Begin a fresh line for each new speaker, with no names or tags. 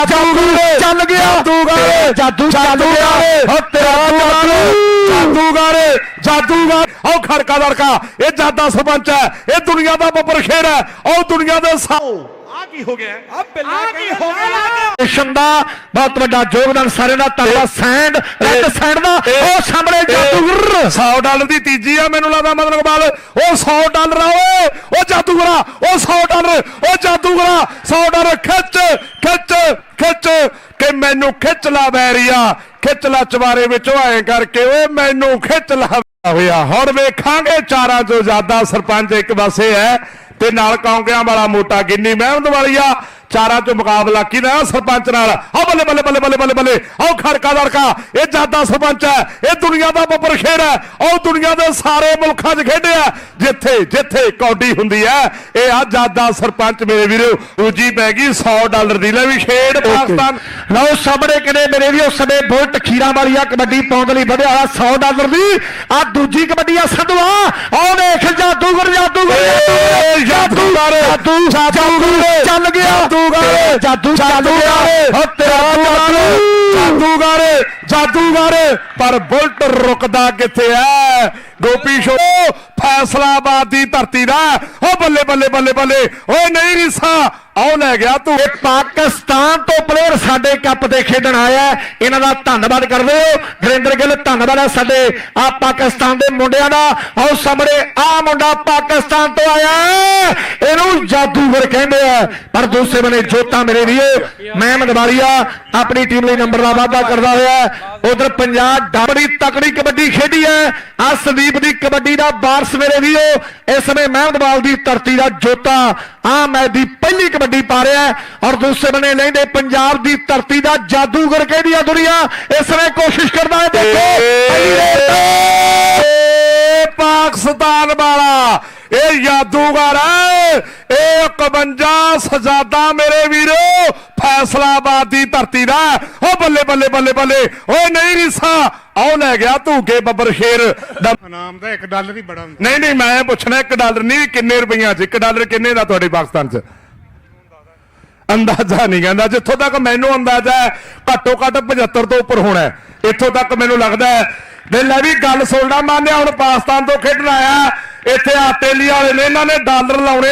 ਚੱਲ ਗਿਆ ਜਾਦੂ ਚੱਲ ਗਿਆ ਜਾਦੂਗਰ ਉਹ ਖੜਕਾ ਲੜਕਾ ਇਹ ਜਾਦਾ ਸਰਪੰਚ ਹੈ ਇਹ ਦੁਨੀਆ ਦਾ ਬੱਬਰ ਸ਼ੇਰ ਹੈ ਉਹ ਦੁਨੀਆ ਦੇ
ਕੀ ਹੋ ਗਿਆ
ਦਾ ਬਹੁਤ ਵੱਡਾ ਯੋਗਦਾਨ ਸਾਰਿਆਂ ਦਾ ਧੰਨਵਾਦ ਸੈਂਡ ਰੈੱਡ ਸੈਂਡ ਦਾ ਉਹ ਸਾਹਮਣੇ ਜਾਦੂਗਰ $100 ਦੀ ਤੀਜੀ ਆ ਮੈਨੂੰ ਲੱਗਦਾ ਮਤਲਬ ਬਾਲ ਉਹ $100 ਆ ਓਏ ਉਹ ਜਾਦੂਗਰਾ ਉਹ $100 ਉਹ ਜਾਦੂਗਰਾ $100 ਖਿੱਚ ਕਿ ਮੈਨੂੰ ਖਿੱਚ ਲਾ ਬੈਰੀਆ ਖਿੱਚ ਲਾ ਚਵਾਰੇ ਵਿੱਚੋਂ ਐ ਕਰਕੇ ਓਏ ਮੈਨੂੰ ਖਿੱਚ ਲਾ ਹੋਇਆ ਹੁਣ ਵੇਖਾਂਗੇ ਚਾਰਾਂ ਚੋਂ ਜ਼ਿਆਦਾ ਸਰਪੰਚ ਇੱਕ ਪਾਸੇ ਹੈ ਤੇ ਨਾਲ ਕੌਂਕਿਆਂ ਵਾਲਾ ਮੋਟਾ ਗਿੰਨੀ ਮਹਿਮਦ ਵਾਲੀਆ ਚਾਰਾਂ ਚੋਂ ਮੁਕਾਬਲਾ ਕਿਹਦਾ ਸਰਪੰਚ ਨਾਲ ਆ ਬੱਲੇ ਬੱਲੇ ਬੱਲੇ ਬੱਲੇ ਬੱਲੇ ਬੱਲੇ ਆਹ ਖੜਕਾ ਲੜਕਾ ਇਹ ਜਾਦਾ ਸਰਪੰਚ ਹੈ ਇਹ ਦੁਨੀਆ ਦਾ ਬੱਬਰ ਸ਼ੇਰ ਹੈ ਉਹ ਦੁਨੀਆ ਦੇ ਸਾਰੇ ਮੁਲਕਾਂ 'ਚ ਖੇਡਿਆ ਜਿੱਥੇ ਕੌਡੀ ਹੁੰਦੀ ਹੈ ਇਹ ਆ ਜਾਦਾ ਸਰਪੰਚ ਮੇਰੇ ਵੀਰੋ ਦੂਜੀ ਪੈ ਗਈ $100 ਦੀ ਲੈ ਵੀ ਖੇਡ ਪਾਕਿਸਤਾਨ ਲਓ ਸਾਹਮਣੇ ਕਿਨੇ ਮੇਰੇ ਵੀ ਉਸ ਸਮੇਂ ਬੁਲਟ ਖੀਰਾਂ ਵਾਲੀਆ ਕਬੱਡੀ ਪਾਉਣ ਲਈ ਵਧਿਆ $100 ਦੀ ਆ ਦੂਜੀ ਕਬੱਡੀ ਆ ਸੰਧਵਾ ਆਹ ਦੇਖ ਜਾਦੂਗਰ ਚੱਲ ਗਿਆ ਜਾਦੂਗਰ ਪਰ ਬੁਲਟ ਰੁਕਦਾ ਕਿੱਥੇ ਐ ਗੋਪੀ ਸ਼ੋ ਫੈਸਲਾਬਾਦ ਦੀ ਧਰਤੀ ਦਾ ਉਹ ਬੱਲੇ ਬੱਲੇ ਬੱਲੇ ਬੱਲੇ ਓਏ ਨਹੀਂ ਰੀਸਾ ਆਉ ਲੈ ਗਿਆ ਤੂੰ ਇਹ ਪਾਕਿਸਤਾਨ ਤੋਂ ਪਲੇਅਰ ਸਾਡੇ ਕੱਪ ਤੇ ਖੇਡਣ ਆਇਆ ਇਹਨਾਂ ਦਾ ਧੰਨਵਾਦ ਕਰਦੇ ਹੋ ਗੁਰਿੰਦਰ ਗਿੱਲ ਧੰਨਵਾਦ ਹੈ ਸਾਡੇ ਆ ਪਾਕਿਸਤਾਨ ਦੇ ਮੁੰਡਿਆਂ ਦਾ ਆਓ ਸਾਹਮਣੇ ਆ ਮੁੰਡਾ ਪਾਕਿਸਤਾਨ ਤੋਂ ਆਇਆ ਇਹਨੂੰ ਜਾਦੂਗਰ ਕਹਿੰਦੇ ਆ ਪਰ ਦੂਸਰੇ ਬੰਨੇ ਜੋਤਾ ਮੇਰੇ ਵੀਰੋ ਮਹਿਮਦ ਵਾਲੀਆ ਆਪਣੀ ਟੀਮ ਲਈ ਨੰਬਰ ਦਾ ਵਾਅਦਾ ਕਰਦਾ ਹੋਇਆ ਉਧਰ ਪੰਜਾਬ ਬੜੀ ਤਕੜੀ ਕਬੱਡੀ ਖੇਡੀ ਹੈ ਆ ਸੰਦੀਪ ਦੀ ਕਬੱਡੀ ਦਾ ਵਾਰਸ ਮੇਰੇ ਵੀਰੋ ਇਸ ਸਮੇਂ ਮਹਿਮਦਵਾਲ ਦੀ ਧਰਤੀ ਦਾ ਜੋਤਾ ਆ ਮੈਚ ਦੀ ਪਹਿਲੀ ਕਬੱਡੀ ਪਾ ਰਿਹਾ ਔਰ ਦੂਸਰੇ ਬੰਨੇ ਲੈਂਦੇ ਪੰਜਾਬ ਦੀ ਧਰਤੀ ਦਾ ਜਾਦੂਗਰ ਕਹਿੰਦੀ ਆ ਦੁਨੀਆ ਇਸ ਸਮੇਂ ਕੋਸ਼ਿਸ਼ ਕਰਦਾ ਹੈ ਦੇਖੋ ਪਾਕਿਸਤਾਨ ਵਾਲਾ ਇਹ ਜਾਦੂਗਰ ਹੈ ਇਹ 51 ਸਜਾਦਾ ਮੇਰੇ ਵੀਰੋ ਫੈਸਲਾਬਾਦ ਦੀ ਧਰਤੀ ਦਾ ਉਹ ਬੱਲੇ ਬੱਲੇ ਬੱਲੇ ਬੱਲੇ ਓਏ ਨਹੀਂ ਰੀਸਾ ਆਉ ਲੈ ਗਿਆ ਧੂਕੇ ਬੱਬਰ ਸ਼ੇਰ ਦਾ
ਇਨਾਮ ਦਾ $1 ਹੀ ਬੜਾ
ਨਹੀਂ ਮੈਂ ਪੁੱਛਣਾ $1 ਨਹੀਂ ਕਿੰਨੇ ਰੁਪਈਆਂ 'ਚ $1 ਕਿੰਨੇ ਦਾ ਤੁਹਾਡੇ ਪਾਕਿਸਤਾਨ 'ਚ ਅੰਦਾਜ਼ਾ ਨਹੀਂ ਕਹਿੰਦਾ ਜਿੱਥੋਂ ਤੱਕ ਮੈਨੂੰ ਅੰਦਾਜ਼ਾ ਹੈ ਘੱਟੋ ਘੱਟ 75 ਤੋਂ ਉੱਪਰ ਹੋਣਾ ਇੱਥੋਂ ਤੱਕ ਮੈਨੂੰ ਲੱਗਦਾ ਹੈ ਲੈ ਵੀ ਗੱਲ ਸੁਣਨਾ ਮਾਨਿਆ ਹੁਣ ਪਾਕਿਸਤਾਨ ਤੋਂ ਖੇਡਣ ਆਇਆ ਇੱਥੇ ਆਸਟ੍ਰੇਲੀਆ ਵਾਲੇ ਨੇ ਇਹਨਾਂ ਨੇ ਡਾਲਰ ਲਾਉਣੇ